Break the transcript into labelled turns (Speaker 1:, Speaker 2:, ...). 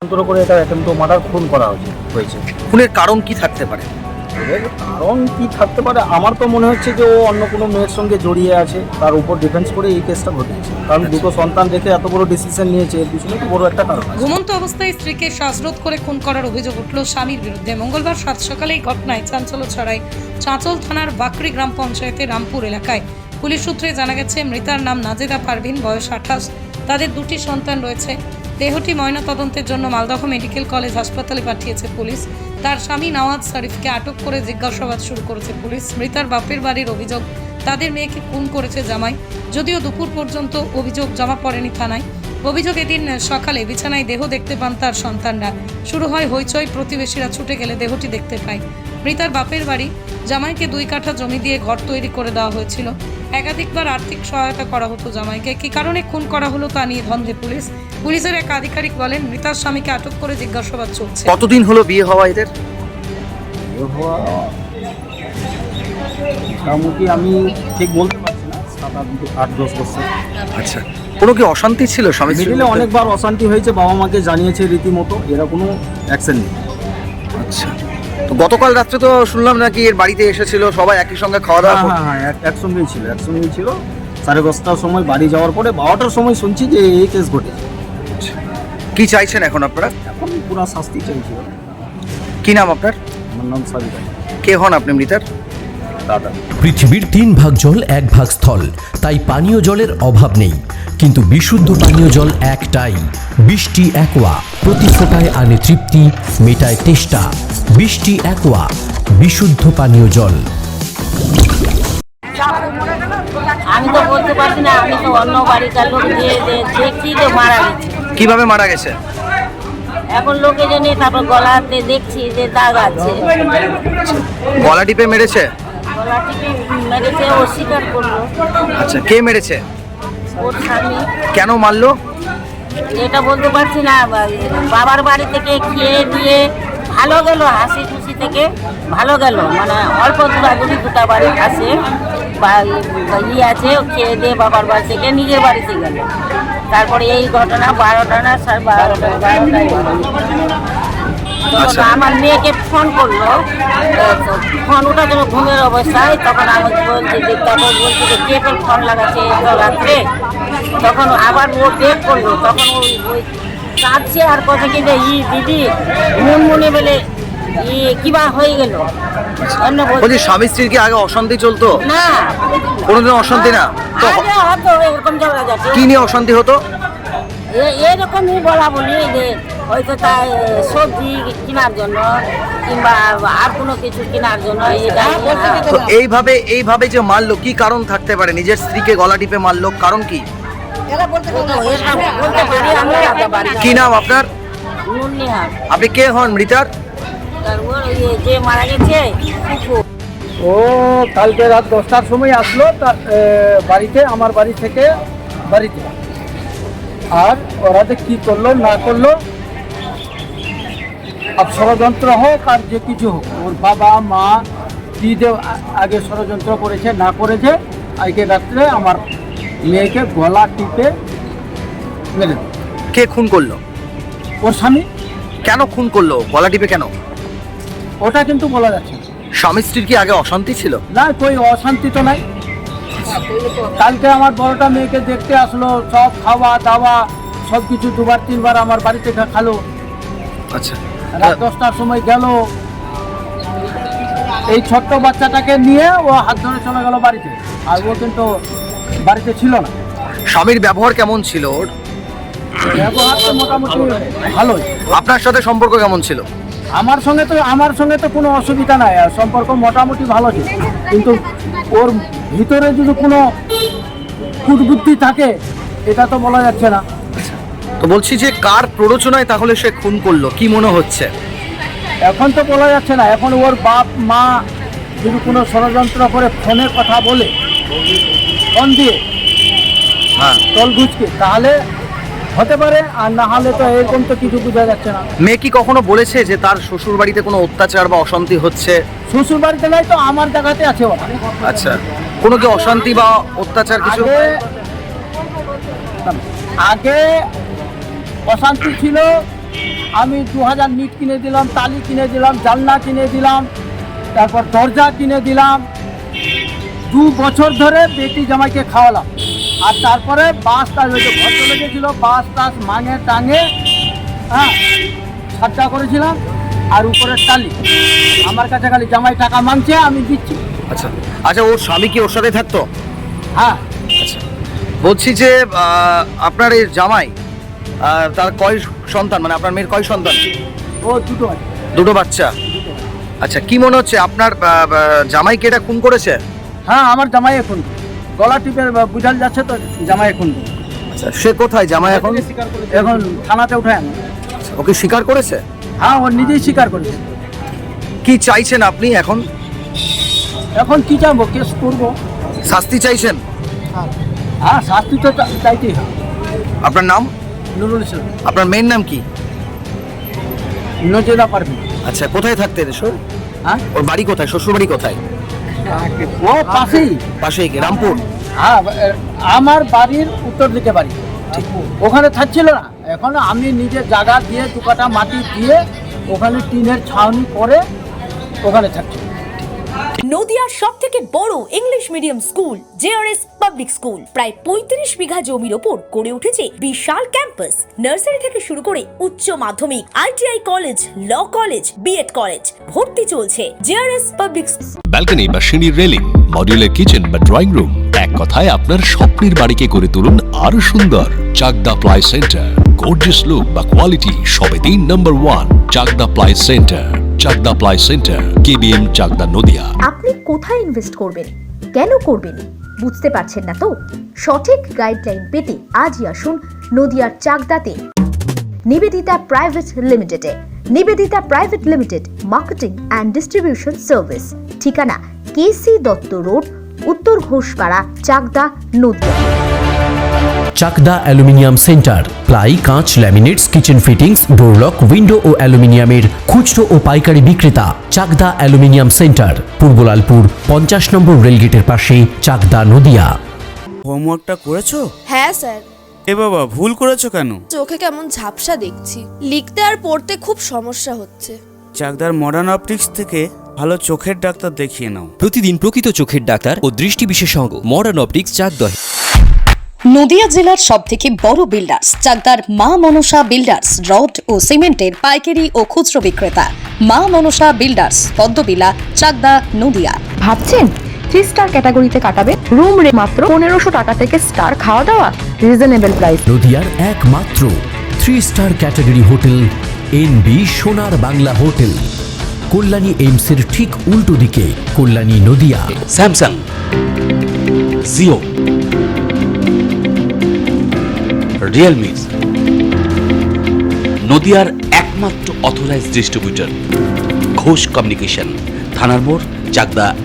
Speaker 1: করে এটা attempt murder খুন করা হয়েছে।
Speaker 2: খুনের কারণ কি থাকতে পারে?
Speaker 1: এর কারণ কি থাকতে পারে, আমার তো মনে হচ্ছে যে ও অন্য কোনো মেয়ের সঙ্গে জড়িয়ে আছে, তার উপর ডিফেন্স করে এই কেসটা ঘটেছে। কারণ দুটো সন্তান রেখে এত বড় ডিসিশন নিয়েছে, এর পিছনে তো বড় একটা কারণ আছে।
Speaker 3: ঘুমন্ত অবস্থায় স্ত্রীকে শ্বাসরোধ করে খুন করার অভিযোগ উঠল স্বামীর বিরুদ্ধে। মঙ্গলবার সাত সকালে এই ঘটনায় চাঞ্চল্য ছড়ায় চাঁচল থানার বাকরি গ্রাম পঞ্চায়েতের রামপুর এলাকায়। পুলিশ সূত্রে জানা গেছে, মৃতার নাম নাজেদা পারভিন, বয়স 28। তাদের দুটি সন্তান রয়েছে। দেহটি ময়নাতদন্তের জন্য মালদহ মেডিকেল কলেজ হাসপাতালে পাঠিয়েছে পুলিশ। তার স্বামী নওয়াজ শরীফকে আটক করে জিজ্ঞাসাবাদ শুরু করেছে পুলিশ। মৃতার বাপের বাড়ির অভিযোগ, তাদের মেয়েকে খুন করেছে জামাই। যদিও দুপুর পর্যন্ত অভিযোগ জমা পড়েনি থানায়। অভিযোগ, এদিন সকালে বিছানায় দেহ দেখতে পান তার সন্তানরা। শুরু হয় হইচই, প্রতিবেশীরা ছুটে গেলে দেহটি দেখতে পায়। মৃতার বাপের বাড়ি জামাইকে 2 কাঠা জমি দিয়ে ঘর তৈরি করে দেওয়া হয়েছিল। একাধিকবার আর্থিক সহায়তা করা হতো জামাইকে। কী কারণে খুন করা হলো তা নিয়ে ধন্দে পুলিশ। পুলিশের এক আধিকারিক বলেন, মৃতার স্বামীকে আটক করে জিজ্ঞাসাবাদ চলছে।
Speaker 2: কতদিন হলো বিয়ে হওয়া এদের?
Speaker 1: বিয়ে হওয়া মোটামুটি আমি ঠিক বলতে পারছি না, 7-8-10 বছর।
Speaker 2: আচ্ছা, কোনো কি অশান্তি ছিল স্বামী স্ত্রীর
Speaker 1: মিডিলে
Speaker 2: মধ্যে?
Speaker 1: অনেকবার অশান্তি হয়েছে, বাবা মাকে জানিয়েছে রীতিমতো, এরা কোনো অ্যাকশন নেই।
Speaker 2: আচ্ছা, তো গতকাল রাত্রে তো শুনলাম নাকি এর বাড়িতে এসেছিল, সবাই একই সঙ্গে খাওয়া দাওয়া করতো।
Speaker 1: হ্যাঁ, একসঙ্গেই ছিল। 10:30টার সময় বাড়ি যাওয়ার পরে 12টার সময় শুনছি যে এই কেস ঘটেছে।
Speaker 2: কি চাইছেন এখন আপনারা?
Speaker 1: এখন পুরো শাস্তি চাইছিল।
Speaker 2: কি নাম আপনার?
Speaker 1: আমার নাম সাবিতা।
Speaker 2: কে হন আপনি মৃতার?
Speaker 1: দাদা।
Speaker 4: পৃথিবীর 3 ভাগ জল 1 ভাগ স্থল, তাই পানীয় জলের অভাব নেই। কিন্তু বিশুদ্ধ পানীয় জল একটাই, বৃষ্টি অ্যাকোয়া। প্রতি ফোঁটায় আনে তৃপ্তি, মেটায় তেষ্টা। বৃষ্টি অ্যাকোয়া, বিশুদ্ধ পানীয় জল।
Speaker 5: আমি তো বলতে পারছি না, আমি তো অন্য বাড়িকার লোক দিয়ে দেখছি যে মারা গেছে।
Speaker 2: কিভাবে মারা গেছে?
Speaker 5: এখন লোকে জেনে তারপর গলাতে দেখছি যে দাগ আছে।
Speaker 2: গলা টিপে মেরেছে?
Speaker 5: গলা টিপে মেরেছে, ও স্বীকার করলো।
Speaker 2: আচ্ছা, কে মেরেছে?
Speaker 5: ওর স্বামী।
Speaker 2: কেন মারলো?
Speaker 5: এটা বলতে পারছি না। বাবার বাড়ি থেকে খেয়ে দিয়ে ভালো গেল, হাসি খুশি থেকে ভালো গেল, মানে অল্প দূরাদূরি 2টা বাড়ি আছে বা আছে, খেয়ে দিয়ে বাবার বাড়ি থেকে নিজের বাড়িতে গেল। তারপরে এই ঘটনা 12টা না 12:30
Speaker 2: আচ্ছা।
Speaker 5: আমার মেয়েকে ফোন করলো, ফোন ওটা যেন ঘুমের অবস্থায়। তখন আমাকে বলছে যে কে ফোন লাগাচ্ছে রাত্রে। তখন আবার ও বের করলো, তখন ওই কাঁদছে আর কথা কি যে দিদি মনে বলে কিবা হয়ে গেল।
Speaker 2: বলছি, স্বামী স্ত্রীর কি আগে অশান্তি চলতো?
Speaker 5: না,
Speaker 2: কোনোদিন অশান্তি না তো?
Speaker 5: আগে হতো এরকম ঝগড়া যাচ্ছে।
Speaker 2: কি নিয়ে অশান্তি হতো?
Speaker 5: এরকমই বলা বলি যে হয়তো তাই সবজি কেনার জন্য কিংবা আর কোনো কিছু কেনার জন্য।
Speaker 2: তো এইভাবে যে মারলো, কি কারণ থাকতে পারে? নিজের স্ত্রীকে গলা টিপে মারলো, কারণ কি?
Speaker 5: বলতে পারি আমি।
Speaker 2: কি নাম আপনার?
Speaker 5: নুননিহার।
Speaker 2: আপনি কে হন মৃতার?
Speaker 5: যে মারা গেছে
Speaker 1: ও কালকে রাত 10টার সময় আসলো বাড়িতে, আমার বাড়ি থেকে বাড়িতে। আর ওরা যে কী করলো না করলো, আর ষড়যন্ত্র হোক আর যে কিছু হোক, ওর বাবা মা কী যে আগে ষড়যন্ত্র করেছে না করেছে, আজকে রাত্রে আমার মেয়েকে গলা টিপে মেরে দেয়।
Speaker 2: কে খুন করলো?
Speaker 1: ওর স্বামী।
Speaker 2: কেন খুন করলো? গলা টিপে কেন?
Speaker 1: ওটা কিন্তু বলা যাচ্ছে না।
Speaker 2: স্বামী স্ত্রীর কি আগে অশান্তি ছিল?
Speaker 1: না, কই অশান্তি তো নাই। কালকে আমার বড়টা মেয়েকে দেখতে আসলো, সব খাওয়া দাওয়া সব কিছু 2-3বার আমার বাড়িতে খালো।
Speaker 2: আচ্ছা,
Speaker 1: রাত 10টার সময় গেল, এই ছোট্ট বাচ্চাটাকে নিয়ে ও হাত ধরে চলে গেল বাড়িতে। আর ও কিন্তু বাড়িতে ছিল না।
Speaker 2: স্বামীর ব্যবহার কেমন ছিল ওর?
Speaker 1: ব্যবহার তো মোটামুটি ভালোই।
Speaker 2: আপনার সাথে সম্পর্ক কেমন ছিল?
Speaker 1: আমার সঙ্গে তো কোনো অসুবিধা নাই, আর সম্পর্ক মোটামুটি ভালো ছিল। কিন্তু ওর ভিতরে যদি কোনো কুটবুদ্ধি থাকে, এটা তো বলা যাচ্ছে না।
Speaker 2: তো বলছি যে কার প্ররোচনায় তাহলে সে খুন করলো, কি মনে হচ্ছে?
Speaker 1: এখন তো বলা যাচ্ছে না। এখন ওর বাপ মা যদি কোনো ষড়যন্ত্র করে ফোনে কথা বলে, ফোন দিয়ে
Speaker 2: হ্যাঁ,
Speaker 1: তল ঘুচকে, তাহলে হতে পারে। আর না হলে তো এরকম তো কিছু বোঝা যাচ্ছে না।
Speaker 2: মেয়ে কি কখনো বলেছে যে তার শ্বশুর বাড়িতে কোনো অত্যাচার বা অশান্তি হচ্ছে?
Speaker 1: শ্বশুর বাড়িতে নাই তো আমার জায়গাতে আছে ওরা।
Speaker 2: আচ্ছা, কোনো কি অশান্তি বা অত্যাচার কিছু?
Speaker 1: আগে অশান্তি ছিল আমি 2000 নিট কিনে দিলাম, তালি কিনে দিলাম, জানলা কিনে দিলাম, তারপর দরজা কিনে দিলাম। 2 বছর ধরে বেটি জামাইকে খাওয়ালাম। আর তারপরে বাস টাস ওই যে ঘর চলে গেছিলো, বাস টাস মাঙে টাঙে হ্যাঁ খরচা করেছিলাম। আর উপরের টালি আমার কাছে খালি জামাই টাকা মাংছে, আমি দিচ্ছি।
Speaker 2: আচ্ছা আচ্ছা, ওর স্বামী কি ওর সাথে থাকতো?
Speaker 1: হ্যাঁ,
Speaker 2: বলছি যে আপনার এই জামাই তার কয় সন্তান, মানে আপনার মেয়ের কয় সন্তান?
Speaker 1: ও দুটো আছে।
Speaker 2: দুটো বাচ্চা। আচ্ছা, কি মনে হচ্ছে আপনার জামাইকে এটা খুন করেছে?
Speaker 1: হ্যাঁ, আমার জামাই এখন গলা টিপে বুঝাল যাচ্ছে তো জামাই এখন।
Speaker 2: আচ্ছা, সে কোথায় জামাই এখন?
Speaker 1: এখন থানাতে উঠে আনো।
Speaker 2: ওকে স্বীকার করেছে?
Speaker 1: হ্যাঁ, ও নিজেই স্বীকার করেছে।
Speaker 2: কি চাইছেন আপনি এখন?
Speaker 1: এখন কি চাইবো? কেস করবো।
Speaker 2: শাস্তি চাইছেন?
Speaker 1: হ্যাঁ, শাস্তি তো চাইতেই হবে।
Speaker 2: আপনার নাম?
Speaker 1: নুরুল ইসলাম।
Speaker 2: আপনার মেয়ের নাম কি?
Speaker 1: নজেদা পারবি।
Speaker 2: আচ্ছা, কোথায় থাকতেন এসব?
Speaker 1: হ্যাঁ,
Speaker 2: ওর বাড়ি কোথায়, শ্বশুর বাড়ি কোথায়?
Speaker 1: ও পাশেই।
Speaker 2: পাশেই কি রামপুর?
Speaker 1: হ্যাঁ, আমার বাড়ির উত্তর দিকে বাড়ি। ওখানে থাকছিল না, এখন আমি নিজে জায়গা দিয়ে 2 কাঠা মাটি দিয়ে ওখানে টিনের ছাউনি করে ওখানে থাকছি।
Speaker 6: নদিয়ার সবথেকে বড় English medium school JRS public school প্রায় 35 বিঘা জমির ওপর গড়ে উঠেছে বিশাল ক্যাম্পাস। নার্সারি থেকে শুরু করে উচ্চ মাধ্যমিক, ITI college, law college, BEd college, ভর্তি চলছে। জেআরএস পাবলিক
Speaker 7: ব্যালকনি বা সিঁড়ির রেলিং, মডিউলার কিচেন বা ড্রয়িং রুম, এক কথায় আপনার স্বপ্নের বাড়িকে করে তুলুন আরো সুন্দর। Chakdah ply centre, gorgeous look বা কোয়ালিটি সবেতেই number 1। Chakdah ply centre, Chakdah ply centre, KBM, Chakdah, Nadia.
Speaker 8: আপনি কোথায় ইনভেস্ট করবেন, কেন করবেন, বুঝতে পারছেন না তো? সঠিক গাইডলাইন পেতে আজই আসুন নদিয়ার চাকদাতে নিবেদিতা প্রাইভেট লিমিটেডে। Nivedita private limited, marketing and distribution service. ঠিকানা KC Dutta road, Uttar Ghoshpara, Chakdah, Nadia.
Speaker 4: Chakdah aluminium centre, ply, কাঁচ, laminates, kitchen fittings, door lock, window ও অ্যালুমিনিয়ামের খুচরো ও পাইকারি বিক্রেতা। Chakdah aluminium centre, Purbalalpur 50 number রেলগেটের পাশে, চাকদা, নদিয়া।
Speaker 9: হোমওয়ার্কটা করেছো?
Speaker 10: হ্যাঁ স্যার।
Speaker 9: এ বাবা, ভুল করেছো কেন?
Speaker 10: চোখে কেমন ঝাপসা দেখছি, লিখতে আর পড়তে খুব সমস্যা হচ্ছে।
Speaker 9: চাকদার মডার্ন অপটিক্স থেকে ভালো চোখের ডাক্তার দেখিয়ে নাও।
Speaker 11: প্রতিদিন প্রকৃত চোখের ডাক্তার ও দৃষ্টি বিশেষজ্ঞ মডার্ন অপটিক্স, চাকদহ।
Speaker 3: নদিয়া জেলার সবথেকে বড় বিল্ডার্স চাকদার মা মনসা বিল্ডার্স, রড ও সিমেন্টের পাইকারি ও খুচরো বিক্রেতা। মা মনসা বিল্ডার্স, পদ্মবিলা, চাকদা, নদিয়া।
Speaker 8: ভাবছেন 3 স্টার ক্যাটাগরিতে কাটাবে? রুম রে মাত্র 1500 টাকা থেকে স্টার, খাওয়া দাওয়া রিজনেবল প্রাইস।
Speaker 4: নদিয়ার একমাত্র 3 স্টার ক্যাটাগরি হোটেল এনবি সোনার বাংলা হোটেল, কল্যাণী এইমসের ঠিক উল্টো দিকে, Kalyani, Nadia.
Speaker 7: Samsung, Jio, Realme, নদিয়ার একমাত্র অথরাইজড ডিস্ট্রিবিউটর ঘোষ কমিউনিকেশন, থানার মোড়, চাকদা।